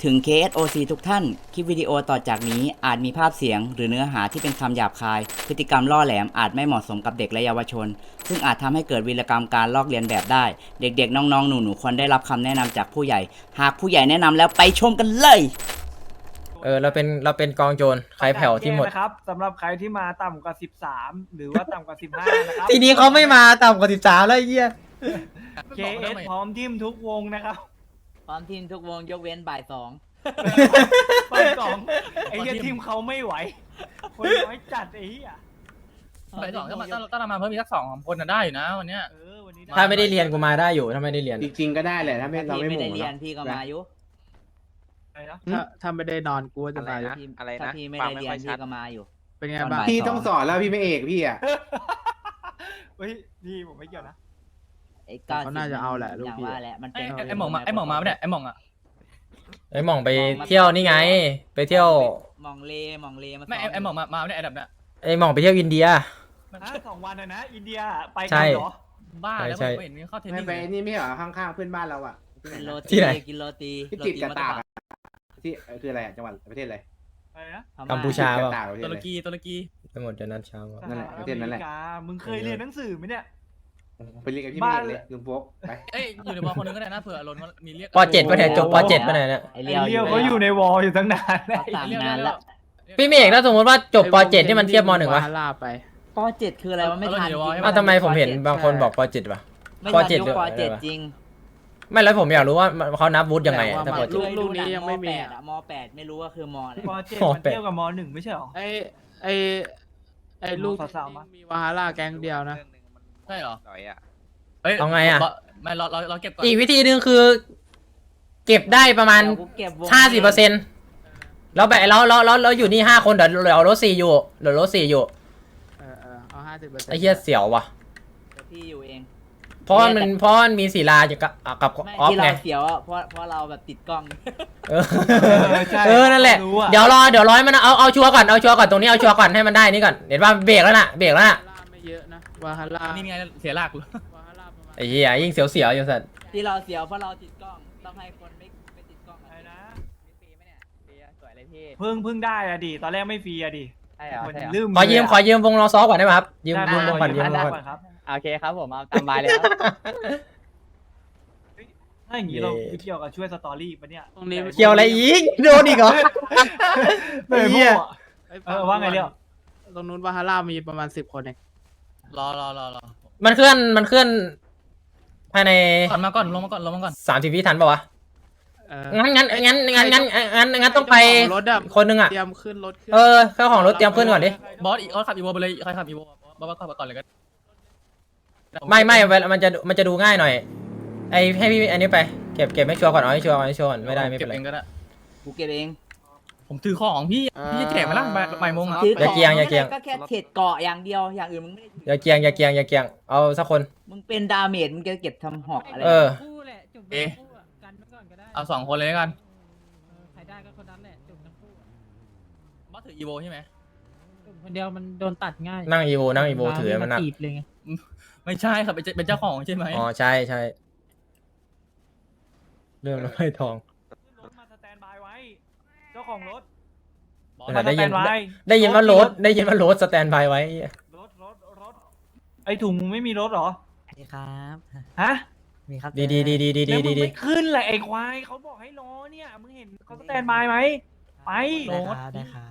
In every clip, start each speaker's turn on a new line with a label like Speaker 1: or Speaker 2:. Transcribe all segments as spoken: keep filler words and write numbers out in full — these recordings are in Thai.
Speaker 1: ถึง เค เอส โอ ซี ทุกท่าน คลิปวิดีโอต่อจากนี้อาจมีภาพเสียงหรือเนื้อหาที่เป็นคำหยาบคาย พฤติกรรมล่อแหลมอาจไม่เหมาะสมกับเด็กและเยาวชน ซึ่งอาจทำให้เกิดวีรกรรมการลอกเลียนแบบได้ เด็กๆ น้องๆ หนูๆ ควรได้รับคำแนะนำจากผู้ใหญ่ หากผู้ใหญ่แนะนำแล้วไปชมกันเลย
Speaker 2: เออเราเป็นเราเป็นกองโจรใครแผ่วที่หมด
Speaker 3: นะครับสำหรับใครที่มาต่ำกว่าสิบสามหรือว่าต่ำกว่าสิบห้านะครับ
Speaker 2: ทีนี้เขาไม่มาต่ำกว่าสิบสามแล้วไอ้เหี้ย
Speaker 3: เค เอส พร้อมทีมทุกวงนะครับ
Speaker 1: พร้อมทีมทุกวงยกเว้นบ่ายสอง
Speaker 3: ไปสองไอ้เหี้ยทีมเขาไม่ไหวคนน้อยจัดไอ้เหี้ย
Speaker 4: ไปสองถ้ามาถ้าถ้าเรามาเพิ่มอีกสักสองคนน่ะได้อยู่นะวันเนี้ย
Speaker 3: เออวันนี้
Speaker 2: ถ้าไม่ได้เรียนกูมาได้อยู่ถ้าไม่ได้เรียน
Speaker 5: จริงๆก็ได้แหละถ้าไม่เรา
Speaker 1: พี่
Speaker 5: ไม่
Speaker 1: ไม่
Speaker 5: หมู่
Speaker 1: ได้เรียน
Speaker 5: เนาะ
Speaker 1: พี่ก็มาอยู่
Speaker 3: อะไรนะ
Speaker 6: ถ้าถ้าไม่ได้นอนกูก็จะตาย
Speaker 1: พี่
Speaker 7: อะไรนะ
Speaker 1: ถ้าพี่ไม่
Speaker 7: ฟั
Speaker 1: ได้
Speaker 7: งไม่
Speaker 1: เรีย
Speaker 7: ค่อน ยชั
Speaker 1: พี่
Speaker 7: ด
Speaker 1: ก็มาอยู่
Speaker 6: เป็นไง
Speaker 1: ตอน
Speaker 6: บ้าง
Speaker 1: บ่าย
Speaker 5: พี่ต้องสอนแล้วพี่ไม่เอกพี่อ่ะ
Speaker 3: เฮ้ยนี่ผมไม่เกี่ยวนะ
Speaker 1: ไอ้ก้า
Speaker 6: เขาน่าจะเอาแหละลูก
Speaker 1: อย่าง
Speaker 6: พี่
Speaker 1: ว่าแหละมัน
Speaker 4: ไอ้
Speaker 1: เป็น
Speaker 4: ไอ้ไอ้หม่องมาไอ้หม่องมาไม่ได้ไอ้หม่องอ่ะ
Speaker 2: ไอ้หม่องไปเที่ยวนี่ไง ไปเที่ยว
Speaker 1: มองเลมองเลมา
Speaker 4: ไม่ไอ้ไอ้หม่องมามาไม่ได้ไอ้ดับเนี่ย
Speaker 2: ไอ้หม่องไปเที่ยวอินเดีย
Speaker 3: ฮะสองวันเลยนะ อินเดียไป
Speaker 2: ใช่
Speaker 3: กันเหรอ
Speaker 4: บ้าแล้ว
Speaker 2: ใช่
Speaker 4: ผมเห็นเข้าเทน
Speaker 5: ไม่
Speaker 4: นิส
Speaker 5: ไปนี่ไม่เหรอข้างๆเพื่อนบ้านเราอ่ะ
Speaker 1: กินโรตี
Speaker 2: ที่ไหน
Speaker 1: กินโรตี
Speaker 5: ที่
Speaker 1: โร
Speaker 5: ติด
Speaker 1: ตี
Speaker 5: กระ
Speaker 1: มั
Speaker 5: ตาก
Speaker 1: ตะ
Speaker 5: อะที่เอ่อคืออะไรอะจังหวัดประเทศอะไร
Speaker 3: อะไรนะ
Speaker 1: พม่
Speaker 2: กัมพูชา
Speaker 5: ติดก
Speaker 2: เปล่า
Speaker 5: ระตากประเท
Speaker 4: ตุ
Speaker 5: ศ
Speaker 4: ร
Speaker 5: อะไร
Speaker 4: กีตุรกี
Speaker 2: ไปหมดเดี๋ยวนัดเช้ามา
Speaker 5: นั่นแหละ
Speaker 3: ส
Speaker 5: ประเทศนั้นแหละ
Speaker 3: อมริกามึงเคยเรียนหนังสือไหมเนี่ย
Speaker 5: ไปเรียนกับพี่ไม่เอกเลยลุงโฟกไป
Speaker 4: เอ้ยอยู่ในบอลคนนึงก็ได้นะเผื่ออารมณ์มีเรียก
Speaker 2: ปเจ็ดปะเนี่ยจบปเจ็ดปะเนี่ยเนี่ย
Speaker 1: ไอ้
Speaker 3: ไอ้
Speaker 1: เลี้ยว
Speaker 3: เลี้ยวเขาอยู่ในวอลอยู่ตั้งนานแล้ว
Speaker 1: เขาสั่งนานแล้ว
Speaker 2: พี่เมฆถ้าสมมติว่าจบปเจ็ดที่มันเทียบมหนึ่งวะ
Speaker 6: วาฮาร่าไป
Speaker 1: ปเจ็ดคืออะไรวะไม่ทันจริง
Speaker 2: อ้าวทำไมผมเห็นบางคนบอกปเจ็ดวะ
Speaker 1: ไม่
Speaker 2: ป
Speaker 1: ทัน
Speaker 2: เจ็ด
Speaker 1: ยุค
Speaker 2: ด้วย
Speaker 1: ปเจ็ดจริง
Speaker 2: ไม่แล้วผมอยากรู้ว่าเขานับวุฒิยังไงอะ
Speaker 6: แต่
Speaker 2: ถ้า
Speaker 6: ว่า
Speaker 2: ปเจ็
Speaker 6: ลู
Speaker 2: ด
Speaker 6: กลูกนี้ยังไม่มี
Speaker 1: แปดอะมแปดไม่รู้ว่าคือมอะไร
Speaker 3: ปเจ็ด
Speaker 2: ม
Speaker 3: มัน
Speaker 2: แปด
Speaker 3: เทียบกับมหนึ่งไม่ใช่หรอ
Speaker 6: ไอไอไอลูก
Speaker 3: สาวๆมา
Speaker 6: มีวาฮาร่าแก๊งเดียวนะ
Speaker 4: ใช่เหรอ
Speaker 7: หน่อยอ่ะ
Speaker 4: เอ้ย
Speaker 2: เอาไงอะ
Speaker 4: ไม่เราเราเราเก็บก่อน
Speaker 2: อีกวิธีหนึ่งคือ เก็บได้ประมาณ
Speaker 1: เดี๋ยวกูเก็บวง
Speaker 2: ห้าสิบเปอร์เซ็นต์แล้วแบบเราเราเราเราอยู่นี่ห้าคนเดี๋ยวเดี๋ยวเอารถสี่อยู่เดี๋ยวรถสี่อยู่
Speaker 6: เออเออเอาห้าสิบเปอร์เซ็นต์
Speaker 2: ไอ้เหี้ยเสียวว่ะ
Speaker 1: เดี๋ยวพี่อยู่เอง
Speaker 2: เพราะมันเพราะมันมีศิลาอยู่กับกับ
Speaker 1: ไม่
Speaker 2: ออฟ
Speaker 1: ที่
Speaker 2: ไง
Speaker 1: เราเสียวอะเพราะเพราะเราแบบติดกล้อง
Speaker 2: เออ
Speaker 3: ใช่
Speaker 2: เออนั่นแหละ
Speaker 3: รู้อะ
Speaker 2: เดี๋ยวรอเดี๋ยวร้อยมันเอาเอาชัวร์ก่อนเอาชัวร์ก่อนตรงนี้เอาชัวร์ก่อนให้มันได้นี่ก่อนเห็นว่าเบรกแล้วน่ะเบรกแล้วน่ะ
Speaker 6: วาฮาร่าไม่เยอะนะวาฮาร่า
Speaker 4: นี่ไงเสียหลักเลย
Speaker 6: วาฮาร่าประมาณ
Speaker 2: ไอ้เหี้ยยิ่งเสียวเสียวอยู่สัตว์
Speaker 1: ที่เราเสียวเพราะเราติดกล้องต้องให้คนไม่ไม่ติดกล้อง
Speaker 3: อะไรนะ
Speaker 1: ฟรีไหมเนี่ยฟรีสวยเลยพี่
Speaker 3: เพิ่งเพิ่งได้อะดิตอนแรกไม่ฟรีอะดิ
Speaker 1: ใช่เหรอ
Speaker 3: คน
Speaker 1: ใช่เหรอ
Speaker 3: ลืม
Speaker 2: ขอยืมขอยืมวงรอซ้อก่อนได้ไหมครับยืม
Speaker 3: ได้
Speaker 2: วงวงก่อนยืมวง
Speaker 3: ได้
Speaker 2: ก่อน
Speaker 3: ก่อนครับ
Speaker 1: โอเคครับผมเอาตามบายเลยครับ
Speaker 3: ถ้าอย่างนี้เราเกี่ยวกับช่วยสตอรี่ปะเนี่ย
Speaker 6: ตรงนี้
Speaker 2: เกี่ยวอะไรอีกโดนอีกเหรอ
Speaker 3: ไม่
Speaker 2: เหี้
Speaker 3: พู
Speaker 2: ย
Speaker 3: ดอะ เออว่าไงเรียว
Speaker 6: ตรงนู้นวาฮาร่ามีประมาณสิบคนเอง
Speaker 4: รอรอรอรอ
Speaker 2: มันเคลื่อนมันเคลื่อนภายใน
Speaker 4: ก่อนมาก่อนลงมาก่อนลงมาก่อน
Speaker 2: สามสิบวิทันปะวะ
Speaker 6: เออ
Speaker 2: งั้นงั้นงั้นงั้นงั้นงั้นงั้นต้องไป
Speaker 6: เจ้าของรถอะ
Speaker 2: คนนึงอ่ะ
Speaker 6: เตรียมขึ้นรถขึ้น
Speaker 2: เออเจ้าของรถเตรียมขึ้นก่อนดิ
Speaker 4: บอสอีบอสขับอีโวไปเลยใครขับอีโวบอสขับไปก่อนเลยก็
Speaker 2: ไม่ไม่เวลามันจะมันจะดูง่ายหน่อยไอให้พี่อันนี้ไปเก็บเก็บให้ชัวร์ก่อนเอาให้ชัวร์เอาให้ชัวร์ก่อนไม่ได้ไม่เป็นไร
Speaker 4: เก็บเองก็ได้
Speaker 1: กูเก็บเอง
Speaker 4: ผมถือของพี่พี่จะแจกไหมล่ะบ่ายโมงอ่ะ
Speaker 1: ถือ
Speaker 2: อย่าเกียงอย่าเกียง
Speaker 1: ก็แค่เทรดเกาะอย่างเดียวอย่างอื่นมึงไม่ได้ถือ
Speaker 2: อย่าเกียงอย่าเกียงอย่าเกียงเอาสักคน
Speaker 1: มึงเป็นดาเมจมึงจะเก็บทำหอกอะไร
Speaker 2: เออ
Speaker 8: คู่แหละจุ่ม
Speaker 4: เอ๊ะ
Speaker 8: ทั้งคู่อะกันไว้ก่อนก็ได้
Speaker 4: เอาสองคนเลยแล้วกัน
Speaker 8: เออใครได้ก็คนนั้นแหละจุ่มทั้งคู่อะ
Speaker 4: บอสถืออีโวใช่ไหม
Speaker 8: จุ่มคนเดียวมันโดนตัดง่าย
Speaker 2: นั่งอีโวนั่งอีโวถือมันหนัก
Speaker 8: ตีบเลยไง
Speaker 4: ไม่ใช่ครับเป็นเป็นเจ้าของใช่ไหม
Speaker 2: อ๋อใช่ใช่เรื่องน้ำไม้ทอง
Speaker 3: ขึ้นรถมาสแตนบายไว้ เจ้าของรถ
Speaker 4: บอส
Speaker 2: เออ
Speaker 3: มา
Speaker 2: ได้
Speaker 3: สแต
Speaker 2: ยิน
Speaker 3: นบาย
Speaker 2: ได้ยินว่าโรถได้ยินว่าโรถสแตนบายไว้
Speaker 3: รถรถรถไอถุงมึงไม่มีรถเหรอ
Speaker 1: ครับ
Speaker 3: ฮะ
Speaker 1: มีครับ
Speaker 2: ดีดีดีดีดี
Speaker 3: แล้วมึ
Speaker 2: ดี
Speaker 3: ง
Speaker 2: ดี
Speaker 3: ไม่ขึ้นเลยไอ้ควายเขาบอกให้รอเนี่ยมึงเห็นเขาสแตนบายไหมไป
Speaker 1: ได้ครับได้ครับ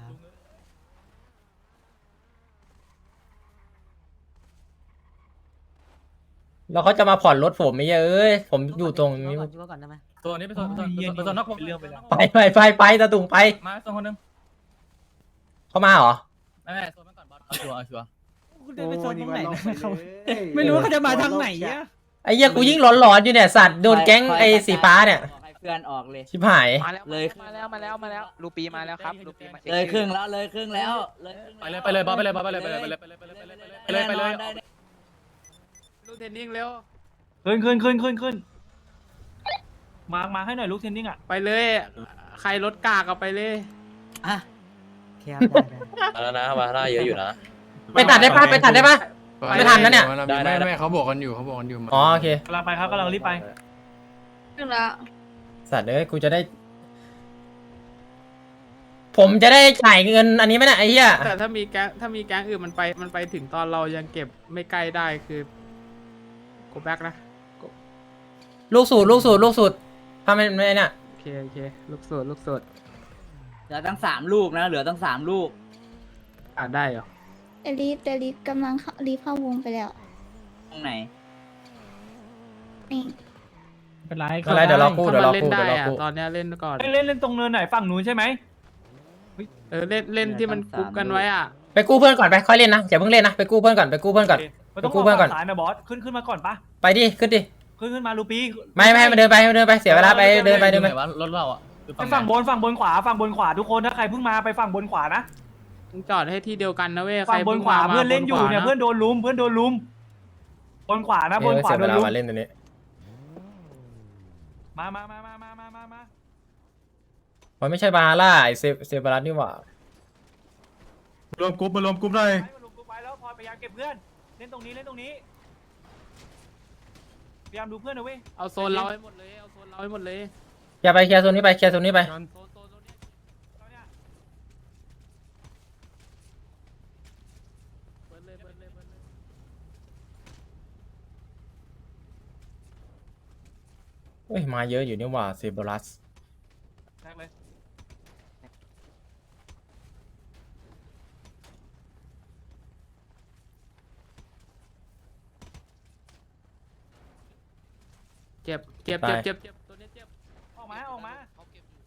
Speaker 2: แล้วเขาจะมาผ่อนรถผมไม่เยอะเอ้ยผมอยู่ตรงนี้
Speaker 1: ก่อนได้ไหม
Speaker 4: ตัวนี้เป็นตัวตัวตัวตัวนอก
Speaker 3: เป็นเรื่องไปแล้ว
Speaker 2: ไปไปไปไปตะตุงไป
Speaker 4: มาตัวคนนึง
Speaker 2: เขามาเหรอ
Speaker 4: ไม่ไม่ตัวมันก่อนบอสเอาชัวร์เอาชัวร์
Speaker 8: คุณเดินไปโซนตรงไหนนะเขา
Speaker 5: โอ้ย
Speaker 8: ไม่รู้ว่าเขาจะมาทางไหนอะ
Speaker 2: ไอ้เหี้ยกูยิ่งหลอนๆอยู่เนี่ยสัตว์โดนแก๊งไอ้สีฟ้าเนี่ย
Speaker 1: บอกให้เพื่อนออกเลย
Speaker 2: ชิบหาย
Speaker 7: มาแล้ว
Speaker 1: เลย
Speaker 7: มาแล้วมาแล้วมาแล้วลูปีมาแล้วครับลูปีมาช็
Speaker 1: เลยครึ่ง
Speaker 7: ชื่อ
Speaker 1: แล้วเลยครึ่งแล้วเลยครึ่ง
Speaker 4: ไปเลยไปเลยบอสไปเลยบอสไปเลยไปเลยไปเลยไปเลยไปเลยไปเลยไปเลยไปเลย
Speaker 1: ได้
Speaker 6: ลูกเทนนิ่งเร็ว
Speaker 3: ขึ้นขึ้นขึ้นขึ้นขึ้นมามาให้หน่อยลูกเทนนิ่งอ่ะ
Speaker 6: ไปเลย ใครรถกากเอาไปเลย
Speaker 1: อ่ะแคบได้
Speaker 9: แล้วนะวาร่าเยอะอยู่นะ
Speaker 2: ไปตัดได้ปะไปตัดได้ปะ ไม่ทันนะเนี่ย
Speaker 9: ได้ได้
Speaker 10: ไม่ไม่เขาบอกกันอยู่เขาบอกกันอยู่
Speaker 2: อ๋อโอเค
Speaker 3: กำลังไปครับกำลังรีบไป
Speaker 11: ขึ้นแล้ว
Speaker 2: สัตว์เอ้ยกูจะได้ผมจะได้จ่ายเงินอันนี้ไหมเนี่ยไอ้เหี้ย
Speaker 6: แต่ถ้ามีแก๊งถ้ามีแก๊งอื่นมันไปมันไปถึงตอนเรายังเก็บไม่ใกล้ได้คือโกแบ็กนะ
Speaker 2: ลูกสูตรลูกสูตรลูกสูตรทำไมไม่เนี่ย
Speaker 6: โอเคโอเคลูกสูตรลูกสูตร
Speaker 1: เหลือตั้งสามลูกนะ เหลือตั้งสามลูก
Speaker 6: อ่านได้เหรอ
Speaker 9: เดลิฟเดลิฟกำลังเข้ารีบเข้าวงไปแล้ว
Speaker 1: ตรงไหน
Speaker 9: นี่
Speaker 8: เป็นไร
Speaker 2: ไม่เป็นไรเดี๋ยวเรากู้
Speaker 6: ถ้า
Speaker 2: เดี๋ยว
Speaker 6: มัน
Speaker 2: เรา
Speaker 6: เล่น
Speaker 2: กู้
Speaker 6: ได้
Speaker 2: เดี๋ยวเรา
Speaker 6: อะ
Speaker 2: กู้
Speaker 6: ตอนเนี้ยเล่นก่อน
Speaker 3: เล่นเล่นเล่นตรงเนินไหนฝั่งนู้นใช่ไหม
Speaker 6: เออเล่นเล่นที่มันกรุ๊ปกันไว้อ่ะ
Speaker 2: ไปกู้เพื่อนก่อนไปค่อยเล่นนะอย่าเพิ่งเล่นนะไปกู้เพื่อนก่อนไปกู้เพื่อนก่อน
Speaker 3: มันต้อง
Speaker 2: ไปกู้เพื่อนก่อน
Speaker 3: สายนะบอสขึ้นขึ้นมาก่อนปะ
Speaker 2: ไปดิขึ้นดิ
Speaker 3: ขึ้นขึ้นมาลูปี้
Speaker 2: ไม่ไม่ให้มันเดินไปให้มันเดินไปเสียเวลาไปเดินไปเดินไป
Speaker 4: รถเราอ่ะ
Speaker 3: ไปฝั่งบนฝั่งบนขวาฝั่งบนขวาทุกคนถ้าใครเพิ่งมาไปฝั่งบนขวานะ
Speaker 6: มึงจอดให้ที่เดียวกันนะเว้ย
Speaker 3: ฝั่งบนขวา
Speaker 6: ใคร
Speaker 3: เพื่อนเล่นอยู่
Speaker 6: มา
Speaker 3: เนี่ย
Speaker 6: บ
Speaker 3: เพื่อนโดนลุมเพื่อนโดนลุมบนขวานะบนขวา
Speaker 2: เสีย
Speaker 3: โด
Speaker 2: เวน ลา
Speaker 3: ลุม
Speaker 2: มาเล่นตัวนี้
Speaker 3: มามามามามามามามา
Speaker 2: มันไม่ใช่บาร่าไอเซเซบารัสนี่หว่าร
Speaker 10: วมกรุ๊ปมารวมกรุ๊ปหน่อย
Speaker 3: ไปมาลุมกูไปแล้วพอพยายามเก็บเพื่อนเล่นตรงนี้เล่นตรงนี้พยายามดูเพื่อนนะเว้ย
Speaker 6: เอาโซนเราให้หมดเลยเอาโซนเราให้หมดเลย
Speaker 2: อย่าไปเคลียร์โซนนี้ไปเคลียร์โซนนี้ไป
Speaker 6: โซนโซนโซนนี้
Speaker 3: เอาเนี่ย
Speaker 6: เปิดเลยเปิดเลยเปิดเลย
Speaker 2: เฮ้ยมาเยอะอยู่นี่หว่าเซบารัส
Speaker 3: แรกเลย
Speaker 6: เจ็บเจ็บเจ็บเจ็บเจ็บตัวนี้เจ็บ
Speaker 3: ออกมาออกมา
Speaker 7: เขาเก็บอยู่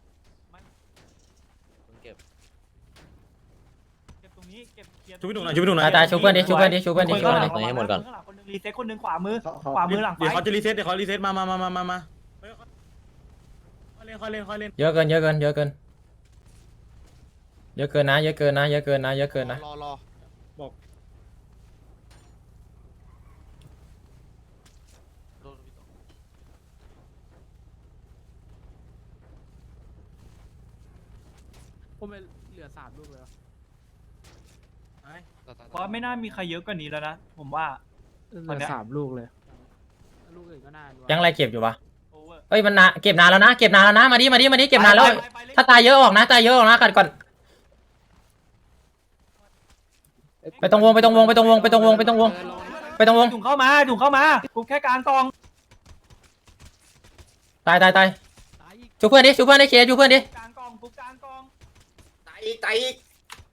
Speaker 3: เก็บตรงนี้เก็บเคลียร์
Speaker 10: ช่วยพี่หนุ่มหน่อยช่วยพี่หนุ่มหน่
Speaker 2: ตา
Speaker 10: อย ย
Speaker 2: ตายชูเพื่อนดิชูเพื่อนดิชูเพื่อนดิชูเพื่อนดิ
Speaker 3: ข้างหลังคนหนึ่งรีเซ็ตคนหนึ่งขวามือขวามือหลังไฟ
Speaker 10: เดี๋ยวเขาจะรีเซ็ตเดี๋ยวเขารีเซ็ตมามามามามามาเฮ้ยค่อยเล่นค่อยเล่นค่อยเล่น
Speaker 2: เยอะเกินเยอะเกินเยอะเกินเยอะเกินนะเยอะเกินนะเยอะเกินนะเยอะเกินนะ
Speaker 7: รอรอ
Speaker 10: บอก
Speaker 6: ผมไปเหลือสามลูกเลยเหรอ
Speaker 3: เพราะไม่น่ามีใครเยอะกว่านี้แล้วนะผมว่า
Speaker 6: เหลือสามลูกเลยลูกอื่นก็น่าดู
Speaker 2: ยังไรเก็บอยู่ปะ
Speaker 3: โอเวอร์
Speaker 2: เอ้ยมันนะเก็บนานแล้วนะเก็บนานแล้วนะมาดิมาดิมาดิเก็บนานแล้ว ถ้าตายเยอะออกนะตายเยอะออกนะกัดก่อนไปตรงวงไปตรงวงไปตรงวงไปตรงวงไปตรงวงไปตรงวง
Speaker 3: ถุงเข้ามาถุงเข้ามากูแค่กลางกอง
Speaker 2: ตายตายตายชูเพื่อนดิชูเพื่อนดิเคลียร์ชูเพื่อนดิ
Speaker 3: กลางกองกูกลางกอง
Speaker 5: ตายอีกตายอีก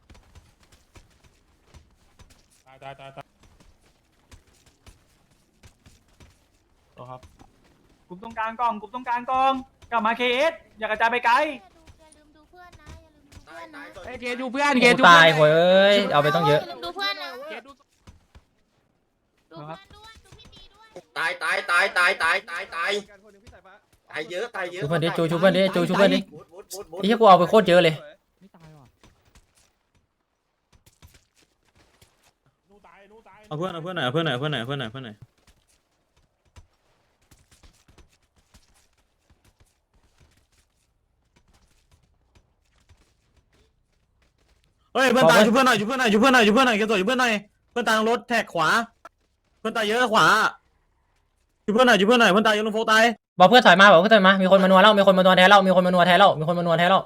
Speaker 10: ตายตายตายตาย
Speaker 3: กูตรงกลางกองกูตรงกลางกองกลับมาเคเอสอย่ากระจายไปไกล
Speaker 9: อย่าลืมดูเพื่อนนะอย่าลืมดูเพื่อนนะ
Speaker 6: เอ้ยเกดูเพื่อนเก
Speaker 2: กู
Speaker 6: ดู
Speaker 2: ตายโว้ยเอ้ยเอาไปต้องเยอะ
Speaker 9: อย่าลืมดูเพื่อนนะ
Speaker 6: เกดู
Speaker 9: ดูเพื่อนด้วยดูพี่ตีด้วย
Speaker 5: ตายตายตายตายตายตายตายตายเยอะตายเยอะ
Speaker 2: ชูเพื่อนดิจูชูเพื่อนดิจูชูเพื่อนดิ
Speaker 5: มุดมุดมุดมุด
Speaker 2: ไอ้เหี้ยกูเอาไปโคตรเยอะเลย
Speaker 10: เอาเพื่อนเอาเพื่อนหน่อยเอาเพื่อนหน่อยเอาเพื่อนหน่อยเอาเพื่อนหน่อยเอาเพื่อนหน่อยเฮ้ยเพื่อนตายช่วยเพื่อนหน่อยช่วยเพื่อนหน่อยช่วยเพื่อนหน่อยช่วยเพื่อนหน่อยเก็บตัวช่วยเพื่อนหน่อยเพื่อนตายลงรถแท็กขวาเพื่อนตายเยอะขวาช่วยเพื่อนหน่อยช่วยเพื่อนหน่อยเพื่อนตายเยอะลงโฟตาย
Speaker 2: บอกเพื่อนถอยมาบอกเพื่อนถอยมามีคนมานัวแล้วมีคนมานัวแทนแล้วมีคนมานัวแทนแล้วมีคนมานัวแทนแล้ว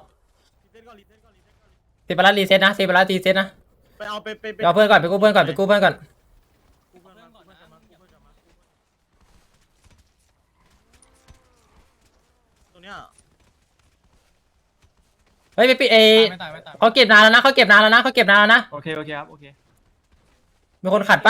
Speaker 2: เซบารัสรีเซ็ตนะเซบารัสรีเซ็ตนะ
Speaker 10: ไปเอาไปไปไป
Speaker 2: เอาเพื่อนก่อนไปกู้เพื่อนก่อนไปกู้เพื่อนก่อน
Speaker 10: ตัวเนี้ย
Speaker 2: เฮ้ยไปปิดเอเขาเก็บนานแล้วนะเขาเก็บนานแล้วนะเขาเก็บนานแล้วนะ
Speaker 3: โอเคโอเคครับโอเค
Speaker 2: มีคนขัดปะ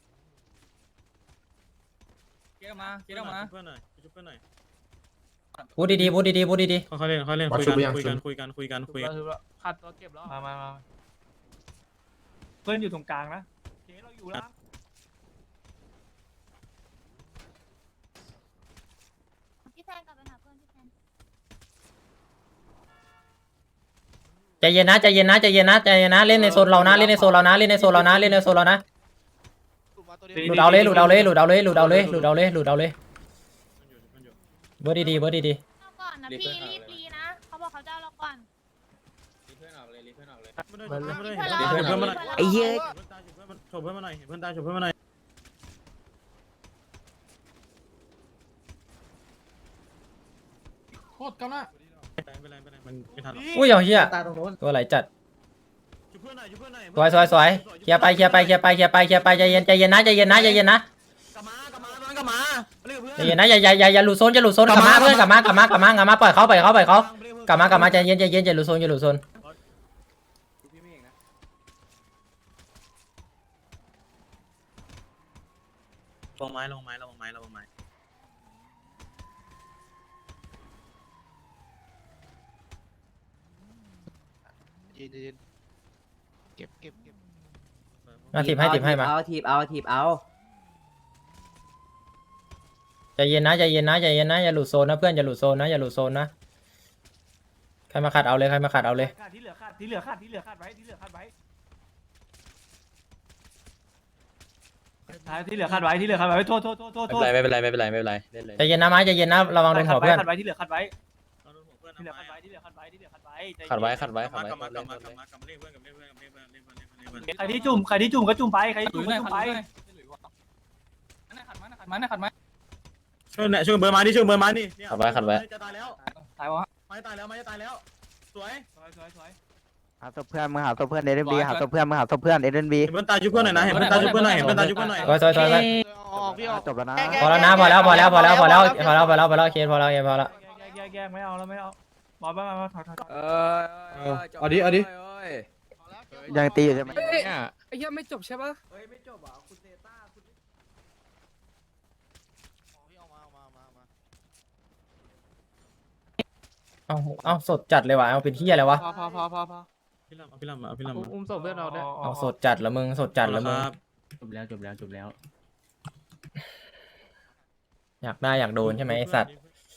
Speaker 4: เกียร์มาเกียร์มา
Speaker 10: ช่วยเพื่อนหน่อยช่วยเพื่อนหน่อย
Speaker 2: พูดดีๆพูดดีๆพูดดี
Speaker 10: ค่อยๆเล่นค่อยๆเล่นคุยกันคุยกันคุยกันคุยกันคุยกัน
Speaker 6: ขาดตัวเก็บแล้ว
Speaker 3: มามามาเพื่อนอยู่ตรงกลางนะเคเราอยู่แล้ว
Speaker 9: พี่แฟนกลับไปหาเพื่อนพี่แฟน
Speaker 2: ๆใจเย็นนะใจเย็นนะใจเย็นนะใจเย็นนะเล่นในโซนเรานะเล่นในโซนเรานะเล่นในโซนเรานะเล่นในโซนเรานะหลุดเอาเลยหลุดเอาเลยหลุดเอาเลยหลุดเอาเลยหลุดเอาเลยหลุดเอาเลยเบอร์ดีๆเบอร์ดี
Speaker 9: เอาก่อนนะพี่รีบรีนะเขาบอกเขาจะเอาเราก่อน
Speaker 10: เพื่อนมาหน่อย
Speaker 1: ไอ้เหี้ย
Speaker 10: โฉบเพื่อนมาหน่อยเพื่อนตายโฉบเพื่อนมาหน่อย
Speaker 6: โคตรกำลัง
Speaker 10: เป็นไรเป็นไรเป็นไรมันทันหรอก
Speaker 2: อุ้ยเอาเฮีย
Speaker 8: ตาตรงโน้น
Speaker 2: ตัวไหลจัด
Speaker 10: ช่วยเพื่อนหน่อยช่วยเพื่อนหน่อย
Speaker 2: สวยสวยสวยเคลียร์ไปเคลียร์ไปเคลียร์ไปเคลียร์ไปเคลียร์ไปใจเย็นใจเย็นนะใจเย็นนะใจเย็นนะ
Speaker 10: กลับมากลับมากลับมาเรียกเพื่อน
Speaker 2: ใจเย็นนะอย่าอย่าอย่าอย่าหลุดโซนอย่าหลุดโซนกลับมาเพื่อนกลับมากลับมากลับมากลับมาปล่อยเขาปล่อยเขาปล่อยเขากลับมากลับมาใจเย็นใจเย็นอย่าหลุดโซนอย่าหลุดโซน
Speaker 10: ลงไม้ลงไม้ลงไม้ลงไม้
Speaker 7: เก็บเก็บเก็บ
Speaker 2: มาถีบให้ถีบให้มา
Speaker 1: เอาทีบเอาทีบเอา
Speaker 2: ใจเย็นนะใจเย็นนะใจเย็นนะอย่าหลุดโซนนะเพื่อนอย่าหลุดโซนนะอย่าหลุดโซนนะใครมาขัดเอาเลยใครมาขัดเอาเลย
Speaker 3: ที่เหลือขาดที่เหลือขาดที่เหลือขาดไว้ที่เหลือขาดไว้ที่เหลือขาดไว้ที่เหลือขาดไว้โทษโทษโทษโทษโทษ
Speaker 10: ไม่เป็นไรไม่เป็นไรไม่เป็นไรไม่เป็นไร
Speaker 2: ใจเย็นนะไม้ใจเย็นนะระวังโดนหัวเพื่อน
Speaker 3: ขาดไว้ที่เหลือขาดไว้ที่เหลือขาดไว้ที่เหลือขาดไว้ที่เหลือขาดไว้
Speaker 10: ขัดไว้ขัดไว้ขัดไว้กลับมากลับมากลับมากลับมาเรียกเพื่อนกลับมาเรียกเพื่อนกลับมาเรียกเพื่อนเรียกเพื่อนเรียกเพื่อนเรียกเพื่อนเรียกเพื่อน
Speaker 3: ใครที่จุ่มใครที่จุ่มก็จุ่มไปใครที่
Speaker 4: หลุ
Speaker 3: จุ่
Speaker 4: ย
Speaker 3: ม
Speaker 4: หน่
Speaker 3: ก็
Speaker 4: อย
Speaker 3: จุ่ม
Speaker 4: ขัด
Speaker 3: ไป
Speaker 4: หลุยหน่อยขัดไม้ขัดไม้ขัดไม้ขัดไม้
Speaker 10: ช่วยเนี่ยช่วยเบอร์ไม้ดิช่วยเบอร์ไม้ดิขัดไว้ขัดไว้จะตายแล้ว
Speaker 4: ตายวะ
Speaker 10: ไม้ตายแล้วไม้จะตายแล้วสวย
Speaker 3: สวยสวยสวย
Speaker 7: หาศพเพื่อนมึงหาศพเพื่อนเอเดนบีหาศพเพื่อนมึงหาศพเพื่อนเอเดนบี
Speaker 10: เห็นเพื่อนตายช่วยเพื่อนหน่อยนะเห็นเพื่อนตายช่วยเพื่อนหน่อยเห็นเพื่อนตายช่วยเพื่อนหน่อย
Speaker 2: สวยสวยสวยสวย
Speaker 7: จบแล้วนะ
Speaker 2: พอแล้วนะพอแล้วพอแล้วพอแล้วพอแล้วพอแล้วพอแล้วพอแล้วเคสพอแล้วเคสพอแล้ว
Speaker 3: แยกแยกแยกไม่เอาแล้วไม่เอาบอลบ้างมาถอยถอย
Speaker 1: เออ
Speaker 10: เอาดิเอาดิ
Speaker 7: ยังตีอยู่ใช่ไหม
Speaker 4: ไอ้ยังไม่จบใช่ปะ
Speaker 2: เอาเอาสดจัดเลยว่ะเอาเป็นที่อะไรวะ
Speaker 4: พอพอพอพอพอ
Speaker 10: พี่ลำเอาพี่ลำเอาพี่ลำ
Speaker 4: อุ้มศพเพื่อนเราด้วย
Speaker 2: เอาสดจัดละมึงสดจัดละมึง
Speaker 6: จบแล้วจบแล้วจบแล้ว
Speaker 2: อยากได้อยากโดนใช่ไหมไอสัตว์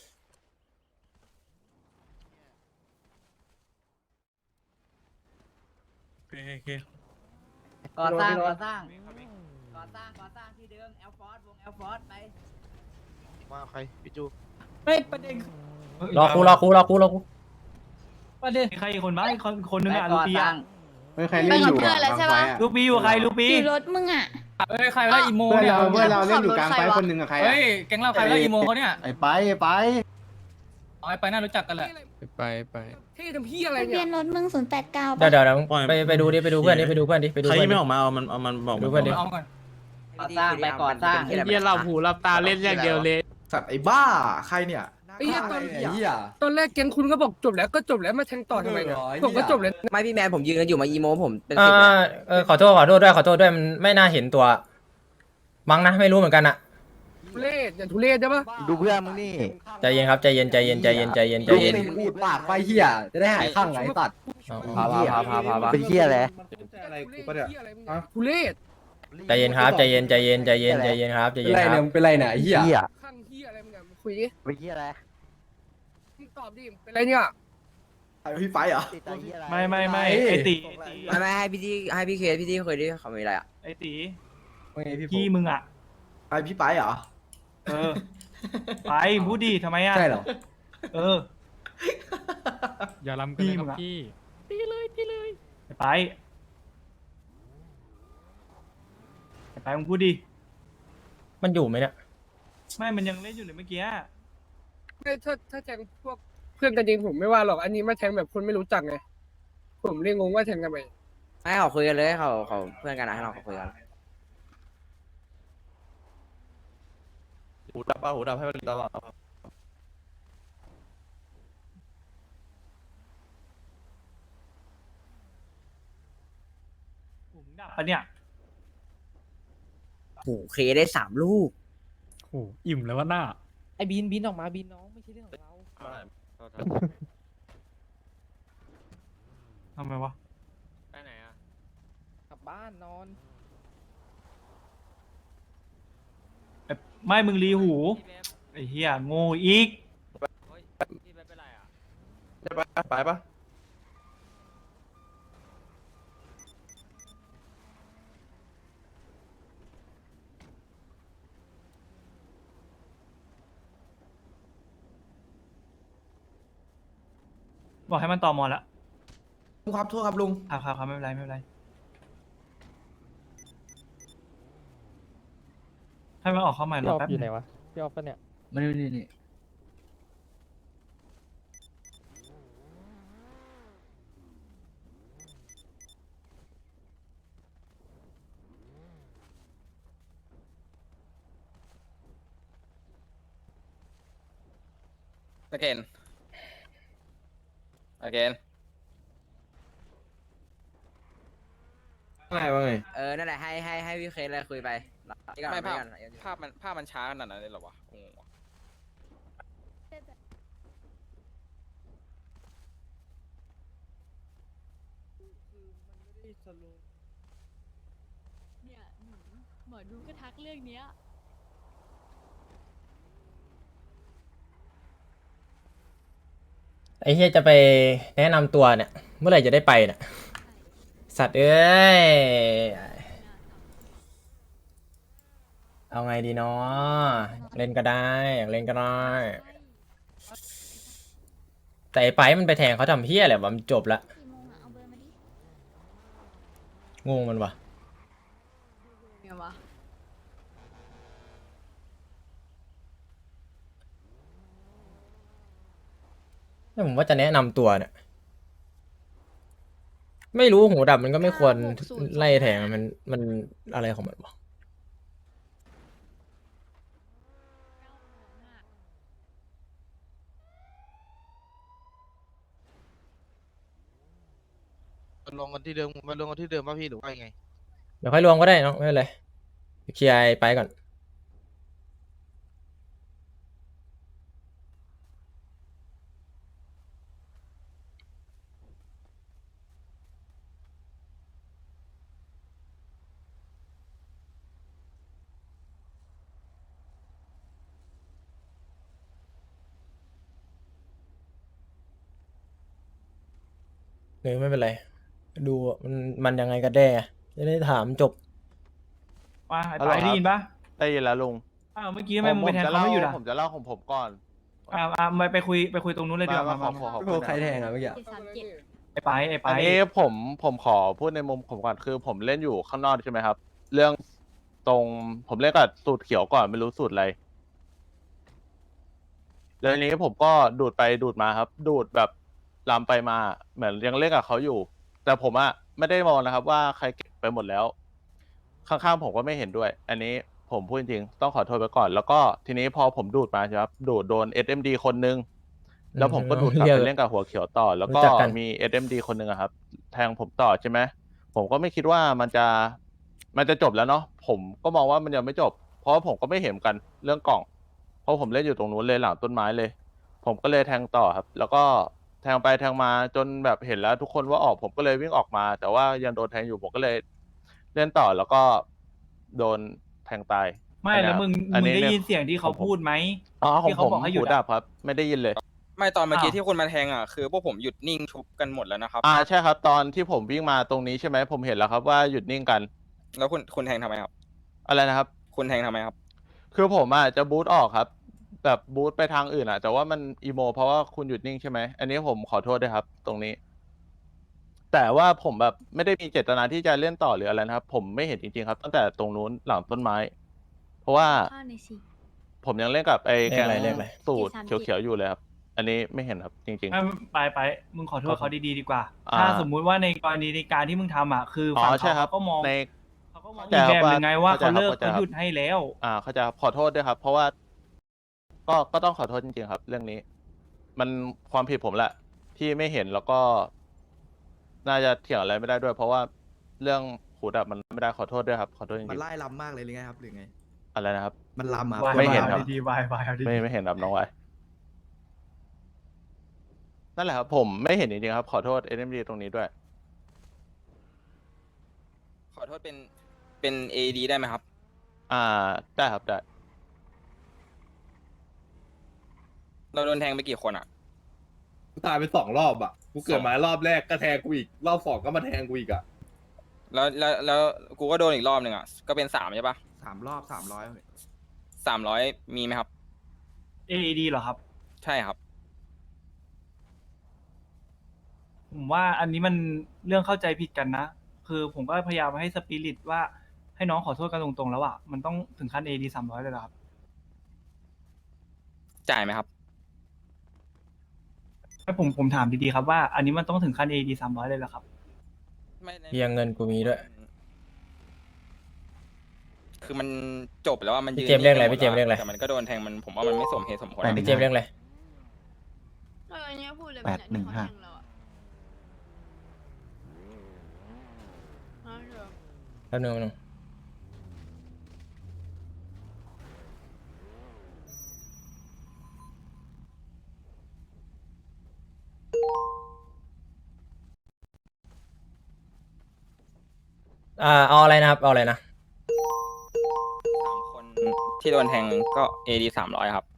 Speaker 10: โอเคโอเค
Speaker 1: ก่อสร้างก่อสร้างก่อสร้างก่อสร้างที่เดิมแอลฟอร์ดวงแอลฟอร์ดไป
Speaker 7: มาใครพี่จู
Speaker 8: เฮ้ยประเด็น
Speaker 2: รอกูรอกูรอกูรอกู
Speaker 8: ประเด็น
Speaker 3: ใครอีกคนบ้างอีกคนคนนึง
Speaker 1: ไป
Speaker 3: อ่ะลู
Speaker 1: ก่อ
Speaker 3: ปี
Speaker 1: สร้า
Speaker 3: อ่ะ
Speaker 1: ง
Speaker 9: ไปกับเพื่อนแล้วใช่ปะ
Speaker 3: ลูปีอยู่ใครลูปี
Speaker 9: อยู่รถมึงอ่ะ
Speaker 4: เอ้ยใครได้อีโมเนี่ย
Speaker 9: เพื่อนเราเล่นอยู่กลางไฟคนหนึ่ง
Speaker 4: เฮ้ยแก๊งเราใครได้อีโมเขาเนี่ย
Speaker 7: ไอ้ไปไอ้ไป
Speaker 4: อ๋อไปน่ารู้จักกันแหละ
Speaker 6: ไปไป
Speaker 4: ที่ทำพี่อะไร
Speaker 9: ทะเบี
Speaker 4: เนี่ย ย
Speaker 9: นรถมึงศูนย์แปดเก้า
Speaker 2: เดี๋ยวเดี๋ยวเดี๋ยวไปไปดูดิไปดูเพื่อนดิไปดูเพื่อนดิไปดู
Speaker 10: ใคร
Speaker 2: เพื่อน
Speaker 10: ยัง
Speaker 2: ดิ
Speaker 10: ไม่ออกมาเอามันเอามันบอก
Speaker 2: ดูเพื่อนดิ
Speaker 4: เอาก่อน
Speaker 1: ก่อสร้างไปก่อสร้าง
Speaker 6: ไอ้เหี้ยเราหูเราตาเล่นอย่างเดียวเลย
Speaker 5: สัตว์ไอ้บ้าใครเนี่ย
Speaker 4: ไอ้เหี้ยตอน
Speaker 5: ไอ้เหี้ย
Speaker 4: ตอนแรกแก๊งคุณก็บอกจบแล้วก็จบแล้วมาแทงต่อทำไมเนี่ยผมก็จบแล้ว
Speaker 1: ไม่พี่แมนผมยืนกันอยู่มาอีโมผมเป็น
Speaker 2: อ่า
Speaker 1: สิบเลย
Speaker 2: เออขอโทษขอโทษด้วยขอโทษด้วยมันไม่น่าเห็นตัวมั้งนะไม่รู้เหมือนกันอะ
Speaker 4: ทุเรศอย่าทุเรศใช่ปะ
Speaker 7: ดูเพื่อนมึงนี่
Speaker 2: ใจเย็นครับใจเย็นใจเย็นใจเย็นใจเย็นใจเย็น
Speaker 5: พูดปากไปเหี้ยจะได้หายข้างไอ้ตัด
Speaker 2: เอา
Speaker 1: พา
Speaker 2: เอา
Speaker 1: พาพาพาพา
Speaker 7: เป็นเหี้ยอะไร
Speaker 5: อะไรกูปะเนี่ย
Speaker 4: ทุเรศ
Speaker 2: ใจเย็นครับใจเย็นใจเย็นใจเย็นใจเย็นครับใจ
Speaker 5: เป็
Speaker 2: เย็
Speaker 5: น
Speaker 2: น
Speaker 5: ไร
Speaker 2: ค
Speaker 5: เนี่
Speaker 2: รั
Speaker 5: ย
Speaker 2: บ
Speaker 5: มึงเป็นไรเนี่ยไอ้เหี้ย
Speaker 7: เหี้ย
Speaker 4: ข้างเหี้ยอะไรมึงอะคุยดิ
Speaker 7: เป็นเหี้ยอะไร
Speaker 4: มึงตอบดิเป็นไรเนี่ย
Speaker 5: ไอ้พี่ไฟเหรอ
Speaker 7: ติดใจเหี้ยอะไร
Speaker 3: ไม่ไม่ไม่ไอตี
Speaker 1: ไม่ไม่ให้พี่ที่ให้พี่เคสพี่ที่เคยได้เขามีอะไรอ่ะ
Speaker 3: ไอตี
Speaker 5: ว่าไงพี่
Speaker 3: พี่มึงอ่ะ
Speaker 5: ไอ้พี่ไปเหรอ
Speaker 3: เออไปพูดดีทำไมอ่ะ
Speaker 5: ใช่เหรอ
Speaker 3: เออ
Speaker 6: อย่าล้ำกันเลยครับพี่
Speaker 3: ไปไปมึงพูดดี
Speaker 2: มันอยู่ไหมเนี่ย
Speaker 3: ไม่มันยังเล่นอยู่เลยเมื่อกี้
Speaker 4: ไม่ถ้าถ้าแทงพวกเพื่อนกันจริงผมไม่ว่าหรอกอันนี้มาแทงแบบคนไม่รู้จักไงผมเรียกงงว่าแทงกันไป
Speaker 1: ให้เขาคุยกันเลยให้เขาเขาเพื่อนกันนะให้เราเขาคุยกัน
Speaker 10: หูดับป่ะหูดับให้มันตลอด
Speaker 3: ผมดับปะเนี่ย
Speaker 1: โอ้โหเคได้สามลูก
Speaker 6: โอ้อิ่มแล้วว่าหน้า
Speaker 8: ไอ้บินบินออกมาบินน้องไม่ใช่เรื่องของเรา
Speaker 3: ทำไมวะ
Speaker 6: ไปไหนอ่ะ
Speaker 8: กลับบ้านนอน
Speaker 3: ไม่มึงรีหูไอ้เหี้ยโง่อีก
Speaker 10: ไปปะไปปะ
Speaker 3: บอกให้มันต่อมอละ
Speaker 5: ลุงครับโทษครับลุง
Speaker 3: ครับครับครับไม่เป็นไรไม่เป็นไรให้มันออกเข้าใหม่รอแป๊บนึง
Speaker 8: พี่ออฟปะเนี่ย
Speaker 1: ไม่ได้นี่นี่
Speaker 11: again again
Speaker 10: ว่าไงว่าไง
Speaker 1: เออนั่นแหละให้ให้ให้พี่เคสเลยคุยไป
Speaker 11: ไม่ภาพภาพมันภาพมันช้าขนาดนั้นเลยเหรอวะงงวะ
Speaker 9: เนี่ยหนูหมอดูก็ทักเรื่องเนี้ย
Speaker 2: ไอ้เฮียจะไปแนะนำตัวเนี่ยเมื่อไหร่จะได้ไปเนี่ยสัตว์เอ้ยเอาไงดีเนาะเล่นก็ได้อยากเล่นก็ได้แต่ไอ้ไปมันไปแทงเขาทำเฮียแหละวะมันจบละ
Speaker 9: กี่โมงอะเอาเบอร์มาดิ
Speaker 2: งงมันวะ
Speaker 9: ไงวะ
Speaker 2: แล้วผมว่าจะแนะนำตัวเนี่ยไม่รู้หูดับมันก็ไม่ควรไล่แทงมันมันอะไรของมันวะ
Speaker 5: ลงกันที่เดิมมาลงกันที่เดิมป่ะพี่หรือว่ายังไง
Speaker 2: เดี๋ยวค่อยรวมก็ได้เนาะไม่เป็นไรเคลียร์ไอ้ไปก่อนหรือไม่เป็นไรดูอะมันมันยังไงกันแน่จะได้ถามจบ
Speaker 3: ว่าไอ้ไปได้ยินปะ
Speaker 10: ได้ยินแล้วลุง
Speaker 3: อ้าวเมื่อกี้ทำไมมึงไปแทงเขาไม่หยุดอ่ะ
Speaker 10: ผมจะเล่าของผมก่อน
Speaker 3: อ่าอ่าไปไปคุยไปคุยตรงนู้นเลยดีกว่า
Speaker 10: มา
Speaker 3: มา
Speaker 10: ขอ
Speaker 3: มา
Speaker 10: ขอ
Speaker 3: มา
Speaker 10: ขอบคุณนะ
Speaker 8: ใครแทงอ่ะเมื่อกี้
Speaker 9: เจ็ดสามเจ็ด
Speaker 3: ไอ้ไปไอ้ไป
Speaker 10: อันนี้ผมผมขอพูดในมุมผมก่อนคือผมเล่นอยู่ข้างนอกใช่ไหมครับ เรื่องตรงผมเล่นกับสูตรเขียวก่อนไม่รู้สูตรอะไรแล้วทีนี้ผมก็ดูดไปดูดมาครับ ดูดแบบลามไปมาเหมือนยังเล่นกับเขาอยู่ แต่ผมอะไม่ได้มองนะครับ ว่าใครเก็บไปหมดแล้ว ข้างๆผมก็ไม่เห็นด้วย อันนี้ผมพูดจริงๆต้องขอโทษไปก่อน แล้วก็ทีนี้พอผมดูดมาใช่ไหมครับดูดโดน เอส เอ็ม ดี คนนึง แล้วผมก็ดูดกลับไปเล่นกับหัวเขียวต่อ แล้วก็
Speaker 2: รู้จักกัน
Speaker 10: มี เอส เอ็ม ดี คนหนึ่งอะครับ แทงผมต่อใช่ไหมผมก็ไม่คิดว่ามันจะมันจะจบแล้วเนาะผมก็มองว่ามันยังไม่จบ เพราะว่าผมก็ไม่เห็นกันเรื่องกล่อง เพราะผมเล่นอยู่ตรงนู้นเลยหลังต้นไม้เลย ผมก็เลยแทงต่อครับ แล้วก็แทงไปแทงมาจนแบบเห็นแล้วทุกคนว่าออกผมก็เลยวิ่งออกมา แต่ว่ายังโดนแทงอยู่ผมก็เลยเล่นต่อแล้วก็โดนแทงตาย
Speaker 3: ไม่แล้วมึง
Speaker 10: อัน
Speaker 3: มึง
Speaker 10: นี้
Speaker 3: ได้
Speaker 10: เนี่ย
Speaker 3: ยินเสียงที่เขาพูดไหม
Speaker 10: อ๋อของ
Speaker 3: ที่
Speaker 10: ผ
Speaker 3: เขา
Speaker 10: ม
Speaker 3: บอกให้หยุ
Speaker 10: หู
Speaker 3: ดอะ
Speaker 10: ดับครับ ไม่ได้ยินเลย
Speaker 11: ไม่ตอนเมื่อกี้
Speaker 3: อ้าว
Speaker 11: ที่คุณมาแทงอ่ะคือพวกผมหยุดนิ่งชุบกันหมดแล้วนะครับ
Speaker 10: อ่าใช่ครับ ตอนที่ผมวิ่งมาตรงนี้ใช่ไหมผมเห็นแล้วครับว่าหยุดนิ่งกัน
Speaker 11: แล้วคุณคุณแทงทำไมครับ
Speaker 10: อะไรนะครับ
Speaker 11: คุณแทงทำไมครับ
Speaker 10: คือผมอ่ะจะบูทออกครับ แบบบูทไปทางอื่นอ่ะ แต่ว่ามันอีโมเพราะว่าคุณหยุดนิ่งใช่ไหมอันนี้ผมขอโทษด้วยครับ ตรงนี้ แต่ว่าผมแบบไม่ได้มีเจตนาที่จะเล่นต่อหรืออะไรนะครับ ผมไม่เห็นจริงๆครับ ตั้งแต่ตรงนู้นหลังต้นไม้ เพราะว่า
Speaker 9: ข้าวในอยสิ
Speaker 10: ผมยังเล่นกับไอ้
Speaker 2: เล
Speaker 10: แก
Speaker 2: ข
Speaker 10: ง
Speaker 2: อะไรเลขอะไร
Speaker 10: สูตร
Speaker 9: เจ็ดสามเจ็ด
Speaker 10: เขียวๆอยู่เลยครับ อันนี้ไม่เห็นครับ จริง
Speaker 3: ไม่ไปไปมึงขอโทษเขาดีๆดีกว่า
Speaker 10: อ่า
Speaker 3: ถ้าสมมุติว่าในกรณีในการที่มึงทำอ่ะคือ
Speaker 10: ๆอ๋
Speaker 3: ฝั่
Speaker 10: อง ใช่
Speaker 3: เขา
Speaker 10: ครับ
Speaker 3: เขาก็มอง
Speaker 10: ใน
Speaker 3: เขาก็มอง
Speaker 10: เข้า
Speaker 3: อี
Speaker 10: ใจ
Speaker 3: ก
Speaker 10: ครับ
Speaker 3: แบบหนึ่งไงว่า
Speaker 10: เข้าใจ
Speaker 3: เขาเลิก
Speaker 10: ครับ
Speaker 3: เขาหยุดให้แล้ว
Speaker 10: อ่าเขาใจะขอโทษด้วยครับ เพราะว่า ก็ก็ต้องขอโทษจริงๆครับ เรื่องนี้ มันความผิดผมแหละ ที่ไม่เห็นแล้วก็ น่าจะเถียงอะไรไม่ได้ด้วย เพราะว่าเรื่องหูดับมันไม่ได้ขอโทษด้วยครับ ขอโทษจ
Speaker 8: มัน
Speaker 10: ริง
Speaker 8: ไล่ลำมากเลยหรือไงครับหรือไง
Speaker 10: ๆอะไรนะครับ
Speaker 8: มันลำอ่ะ
Speaker 3: วาย
Speaker 10: ไม่เห็น
Speaker 3: วาย
Speaker 10: ครับ
Speaker 3: อาดีๆวายวายเอาดีๆ
Speaker 10: ไม่ไม่เห็นครับน้องไว้นั่นแหละครับ ผมไม่เห็นจริงๆครับ ขอโทษเอ็มดีตรงนี้ด้วย
Speaker 11: ขอโทษเป็นเป็น เอ ดี ได้ไหมครับ
Speaker 10: อ่าได้ครับได้
Speaker 11: เราโดนแทงไปกี่คนอ่ะ
Speaker 5: กูตายไปสองรอบอ่ะ กูเกิดมารอบแรกก็แทงกูอีก รอบสองก็มาแทงกูอีกอ่ะ
Speaker 11: แล้วแล้วแล้วกูก็โดนอีกรอบหนึ่งอ่ะก็เป็นสามใช่ปะ
Speaker 8: สามรอบสามร้อย
Speaker 11: สามร้อยมีไหมครับ
Speaker 3: เอ ดี เหรอครับ
Speaker 11: ใช่ครับ
Speaker 3: ผมว่าอันนี้มันเรื่องเข้าใจผิดกันนะ คือผมก็พยายามให้สปิริตว่าให้น้องขอโทษกันตรงๆแล้วอ่ะ มันต้องถึงขั้น เอ ดี สามร้อยเลยเหรอครับ
Speaker 11: จ่ายไหมครับ
Speaker 3: ให้ผมผมถามดีๆครับว่าอันนี้มันต้องถึงขั้น เอ ดี สามร้อยเลยเหรอครับ
Speaker 11: ไม่ใน
Speaker 2: เพียงเงินกูมีด้วย
Speaker 11: คือมันจบแล้วว่ามันยืน
Speaker 2: พี่เจมส์เรียกอะไร
Speaker 11: นิ่ง
Speaker 2: พี่เจมส์เรียกอะไร
Speaker 11: แต่มันก็โดนแทงมันผมว่ามันไม่สมเหตุสมผล
Speaker 2: พี่เจมส์เรื่องอะไร
Speaker 9: เอออันนี้พูดเลย
Speaker 7: แปดหนึ่งห้า
Speaker 9: เราอะเอาเถอะ
Speaker 2: แป๊บนึงแป๊บนึงอ่าเอาอะไรนะครับเอาอะไรนะ
Speaker 11: สามคนที่โดนแทงก็ เอ ดี สามร้อยครับ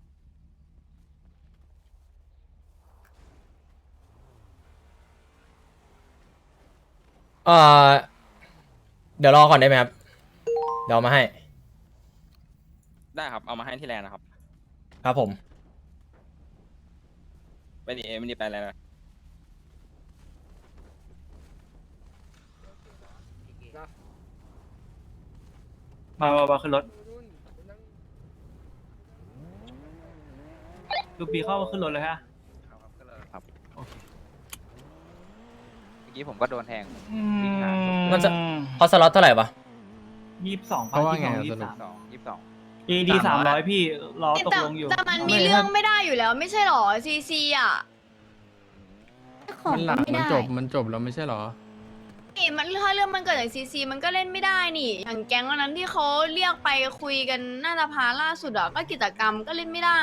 Speaker 2: เอ่อเดี๋ยวรอก่อนได้ไหมครับ เดี๋ยวเอามาให้
Speaker 11: ได้ครับ เอามาให้ที่แลนด์นะครับ
Speaker 2: ครับผม
Speaker 11: ไปดีเอไม่ได้ไปอะไรนะ
Speaker 3: มามามาขึ้นรถลูกปีเข้ามาขึ้นรถเลยฮะ
Speaker 7: ครับ
Speaker 3: โอเค
Speaker 7: เมื่อกี้ผมก็โดนแทง
Speaker 2: มันจะเขาสล็อตเท่าไหร่ปะ
Speaker 3: ยี่สิบสองพัน
Speaker 8: เขาว่า
Speaker 3: ยี่สิบ
Speaker 8: ไง
Speaker 3: สอง
Speaker 8: อะ
Speaker 3: ยี่
Speaker 8: ส
Speaker 3: สิบ
Speaker 8: รุป
Speaker 3: สาม
Speaker 7: สองยี่สิบสอง
Speaker 3: เอดีสามร้อยพี่รอตก
Speaker 9: แต่
Speaker 3: ลงอยู่
Speaker 9: แต่มันมีเรื่องไม่ได้อยู่แล้ว ไม่ใช่หรอซีซีอ่ะ
Speaker 6: มันหลังมันจบมันจบแล้วไม่ใช่หรอ
Speaker 9: นี่มันถ้าเรื่องมันเกิดจากซีซีมันก็เล่นไม่ได้นี่ อย่างแก๊งวันนั้นที่เขาเรียกไปคุยกันหน้าสภาล่าสุดอ่ะก็กิจกรรมก็เล่นไม่ได้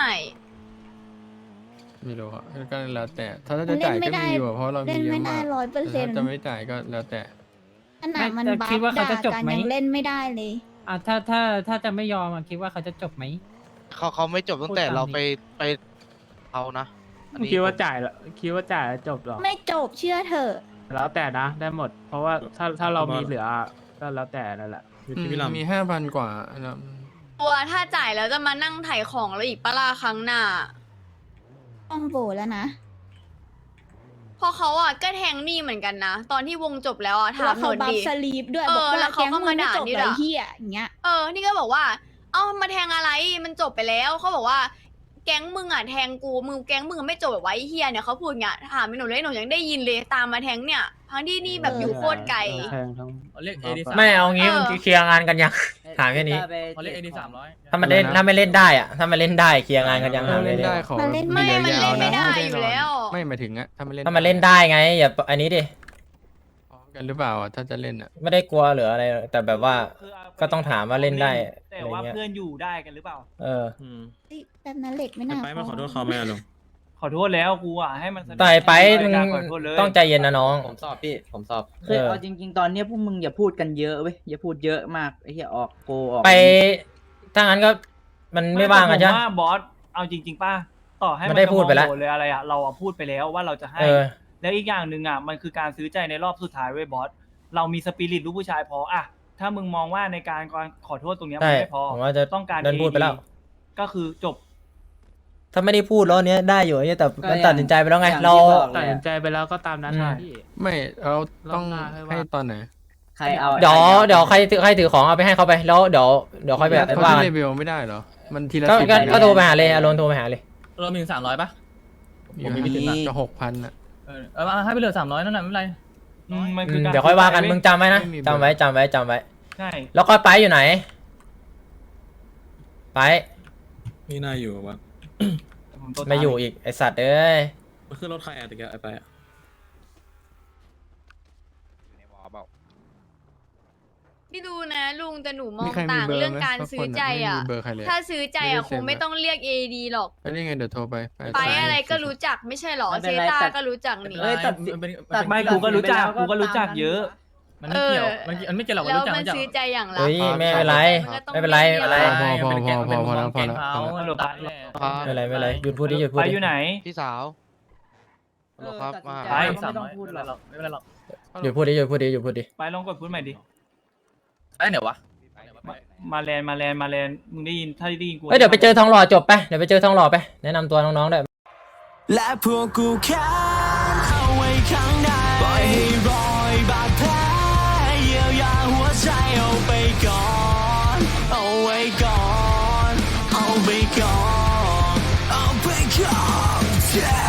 Speaker 6: ไม่รู้อะก็แล้วแต่ ถ้าจะจ่ายก็มีอยู่อะเพราะเรามี
Speaker 12: เล่น
Speaker 6: เย
Speaker 12: ไม่
Speaker 6: อะ
Speaker 12: ได้
Speaker 6: มาก
Speaker 12: ร้อยเปอร์
Speaker 6: แต่
Speaker 12: เซ็น
Speaker 6: ถ้า
Speaker 12: ต์
Speaker 6: จะไม่จ่ายก็แล้วแต่
Speaker 12: ขนาดมัน
Speaker 13: แต่
Speaker 12: บัฟ
Speaker 13: คิดว่าเขา
Speaker 12: ด่า
Speaker 13: จะจบ
Speaker 12: กัน
Speaker 13: ไหม
Speaker 12: ยังเล่นไม่ได้เลย
Speaker 13: อ่ะถ้าถ้าถ้าจะไม่ยอมอ่ะคิดว่าเขาจะจบไหม
Speaker 7: เขาเขาไม่จบตั้งแต่เราไปไปเอานะอันนี้
Speaker 6: คิดว่าจ่ายละคิดว่าจ่ายแล้วจบหรอ
Speaker 12: ไม่จบเชื่อเถอะ
Speaker 6: แล้วแต่นะ ได้หมด เพราะว่าถ้าถ้าเรามีเหลือก็แล้วแต่นั่นแหละมีห้าพันกว่าแล้ว
Speaker 9: ตัวถ้าจ่ายแล้วจะมานั่งถ่ายของแล้วอีกปะล่าครั้งหน้า
Speaker 12: ต้องโบแล้วนะ
Speaker 9: เพราะเขาอ่ะก็แทงนี่เหมือนกันนะ ตอนที่วงจบแล้วอ่ะถา
Speaker 12: แล้
Speaker 9: ม
Speaker 12: ว
Speaker 9: ห
Speaker 12: เขา
Speaker 9: น่อย
Speaker 12: บัฟ
Speaker 9: ดิ
Speaker 12: สลีปด้วย
Speaker 9: เออ
Speaker 12: บอก
Speaker 9: แล้
Speaker 12: ว่าว
Speaker 9: เขา
Speaker 12: แก๊ง
Speaker 9: ก็
Speaker 12: มึ
Speaker 9: มาง
Speaker 12: ไม่
Speaker 9: ด่า
Speaker 12: จบ
Speaker 9: นี่
Speaker 12: ไร
Speaker 9: ด้วย
Speaker 12: เฮียอย่างเงี้ย
Speaker 9: เออ นี่ก็บอกว่า เอ้ามาแทงอะไร มันจบไปแล้ว เขาบอกว่า แก๊งมึงอ่ะแทงกู มึงแก๊งมึงไม่จบแบบไว้เฮียเนี่ยเขาพูดอย่างเงี้ย ถามไปหนูเลยหนูยังได้ยินเลยตามมาแทงเนี่ย ทั้งที่นี่แบบอยู่โคตรไกล
Speaker 6: แพงทั้ง
Speaker 2: เรียก เอ ดี ไม่เอางี้
Speaker 9: เออ
Speaker 2: มันเคลียร์งานกันยัง ถามแค่นี้
Speaker 1: เขาเรียกเอดีสามร้อย
Speaker 2: ถ้ามันเล่นถ้าไม่เล่นได้อะถ้ามันเล่นได้เคลียร์งานกันยังถามแค่
Speaker 6: เล่น
Speaker 2: นี้
Speaker 6: ได้ขอ
Speaker 12: มันเล่น
Speaker 9: ไม่
Speaker 6: ยาว
Speaker 9: มันเล่นไม่ได้
Speaker 6: ๆะ
Speaker 9: อยู่แล้ว
Speaker 6: ไม่หมายถึงอะถ้ามันเล่น
Speaker 2: ถ้ามันเล่นได้ไงอย่าอันนี้ดิ
Speaker 6: พร้อมกันหรือเปล่าอะถ้าจะเล่นอะ
Speaker 2: ไม่ได้กลัวหรืออะไร แต่แบบว่า
Speaker 3: คือเา
Speaker 2: ก็ต้องถามว่าเล่นได้
Speaker 3: แต่ว่า
Speaker 2: อะไรเงี้ย
Speaker 3: เพื่อนอยู่ได้กันหรือเปล่า
Speaker 2: เออ
Speaker 12: เฮ้ยแบบนั้นเหล็กไม่น่า
Speaker 6: ไปมาขอโทษเขาไหมอะลุง
Speaker 3: ขอโทษแล้วกูอ่ะให้มันแสดง
Speaker 2: ต่อยไปมึง
Speaker 3: การขอโทษเลย
Speaker 2: ต้องใจเย็นนะน้อง
Speaker 1: ผมสอบพี่ ผมสอบ
Speaker 2: เอ
Speaker 1: คือ
Speaker 2: อ
Speaker 1: เอาจริง ๆ ตอนเนี้ยพวกมึงอย่าพูดกันเยอะเว้ย อย่าพูดเยอะมากไอ้เหี้ยออกโกออก
Speaker 2: ไปถ้างั้นก็มันไม่ว่างกันใช่
Speaker 3: แต่
Speaker 2: ไหม
Speaker 3: ผมว่าบอสเอาจริง ๆป้าต่อให้
Speaker 2: มันได้พูดไปแล้ว
Speaker 3: จะมองโหเลยอะไรอ่ะเราอ่ะพูดไปแล้วว่าเราจะให้
Speaker 2: เออ
Speaker 3: แล้วอีกอย่างหนึ่งอ่ะมันคือการซื้อใจในรอบสุดท้ายเว้ยบอสเรามีสปิริตลูกผู้ชายพออ่ะถ้ามึงมองว่าในการการขอโทษตรงเนี้ย
Speaker 2: ใช่
Speaker 3: มันไม่พอ
Speaker 2: ผมว่าจะ
Speaker 3: ต้องการ
Speaker 2: เดินพูดไปแล้ว
Speaker 3: เอ ก็คือจบ
Speaker 2: ถ้าไม่ได้พูดแล้วเนี้ยได้อยู่เนี่ยแต่
Speaker 1: ก็
Speaker 2: มัน
Speaker 1: อย่าง
Speaker 2: ตัดสินใจไปแล้วไง
Speaker 1: อย่าง
Speaker 2: เรา
Speaker 1: ที่บอก
Speaker 6: ตัดสินใจไปแล้วก็ตามนั้น
Speaker 2: อืม
Speaker 6: นะพี่
Speaker 8: ไม่เราต้อง
Speaker 6: รอบหน้าให้ว่า
Speaker 8: ให้ตอนไหน
Speaker 1: ใครเอา
Speaker 2: เดี๋ยวเดี๋ยวใครถือใครถือของเอาไปให้เขาไปแล้วเดี๋ยวเดี๋ยวค่อยไป
Speaker 8: เขา
Speaker 2: ว่า
Speaker 8: ที่
Speaker 2: กัน
Speaker 8: เลเวลไม่ได้เหรอ มันทีละ
Speaker 2: ก็
Speaker 8: สิบ
Speaker 2: ก็
Speaker 8: เลยนะ
Speaker 2: ก็โทรไปหาเลยอารมณ์โทรไปหาเลย
Speaker 13: เรามีสามร้อยปะ
Speaker 8: ผมมีถึงจะหกพันอะ
Speaker 13: เออเออให้ไปเหลือสามร้อยนั่นแหละไม่เป็นไร
Speaker 3: อืมมัน
Speaker 2: อื
Speaker 3: คือ
Speaker 2: ม
Speaker 3: การ
Speaker 2: เดี๋ยวค่อยว่ากันมึงจำไว้นะ
Speaker 8: ไม่มี
Speaker 2: จำไว้จำไว้จำไว้
Speaker 3: ใช่
Speaker 2: แล้วก็ไปอยู่ไหน ไป
Speaker 6: ไม่น่าอยู่วะ
Speaker 3: ผมโทรตา
Speaker 2: ไม่อยู่อีกไอสัตว์เอ้ย
Speaker 6: มันขึ้นรถใครอะตะกี้ไปอะ
Speaker 7: อยู่ในวอลเปล่า
Speaker 9: พี่ดูนะลุงแต่หนูมอ
Speaker 8: มี
Speaker 9: ง
Speaker 8: ใครมี
Speaker 9: ต่าง
Speaker 8: เบอร์
Speaker 9: เรื่อง
Speaker 8: ไหม
Speaker 9: การ
Speaker 8: สัก
Speaker 9: ซื้
Speaker 8: ค
Speaker 9: อน ใจ
Speaker 8: ไม่
Speaker 9: อ่ะ
Speaker 8: มีเบอร์ใครเลย
Speaker 9: ถ้าซื้อใจอ่ะ
Speaker 8: ไม่ได้
Speaker 9: คงไม่
Speaker 8: เซ็น
Speaker 9: ต้องเรียกเอดีหรอก
Speaker 8: แล้วยังไงเดี๋ยวโทรไป
Speaker 9: ไปอะไรก็รู้จักไม่ใช่หรอ
Speaker 1: ไม่
Speaker 9: เซ
Speaker 1: เป็นไร
Speaker 9: ตา
Speaker 1: ตัด
Speaker 9: ก็รู้จักนี่
Speaker 1: เอ้ยตัดสิ
Speaker 13: มันเป็น
Speaker 1: ตัด
Speaker 3: ไม่กูก็รู้จักกูก็รู้จักเยอะ
Speaker 13: มันไม่เกี่ยว
Speaker 9: เออ
Speaker 13: มันมันไม่เกี่ยวหรอกว่า
Speaker 9: แล้ว
Speaker 13: รู้จัก
Speaker 9: มัน
Speaker 13: รู้จัก
Speaker 9: ซื้อใจอย่างละ
Speaker 2: เฮ้ยไม่เป็นไร ไม่เป็นไรไม่เป็นไร
Speaker 8: พอพอพอพอพอแล้วพอแล้วพอแล้ว
Speaker 3: ฮัลโหลครับ
Speaker 2: ไม่เป็นไรไม่เป็นไรหยุดพูดดิหยุดพูด
Speaker 3: ไป
Speaker 2: ดิ
Speaker 3: อยู่ไหน
Speaker 7: พี่สาวฮัลโหลครับ
Speaker 1: เออ
Speaker 7: มา
Speaker 1: ตัดสินใจ
Speaker 3: ไป
Speaker 1: ไม่ต้องพูดหรอก
Speaker 13: ไม่เป็นไรหรอก
Speaker 2: หยุดพูดดิหยุดพูดดิหยุดพูดดิ
Speaker 3: ไปลองกดพูดใหม่ดิ
Speaker 13: ไอ้เหนียววะ
Speaker 3: มาแลนมาแลนมาแลนมึงได้ยินถ้าได้ยินกู
Speaker 2: เฮ้ยเดี๋ยวไปเจอทองหล่อจบไปเดี๋ยวไปเจอทองหล่อไปแนะนำตัวน้องๆด้วย
Speaker 13: และพวกกูแค้นเอาไว้ข้างในปล่อยให้รอยบาดแผลเยียวยาหัวใจเอาไปก่อนเอาไว้ก่อนเอาไปก่อนเอาไปก่อน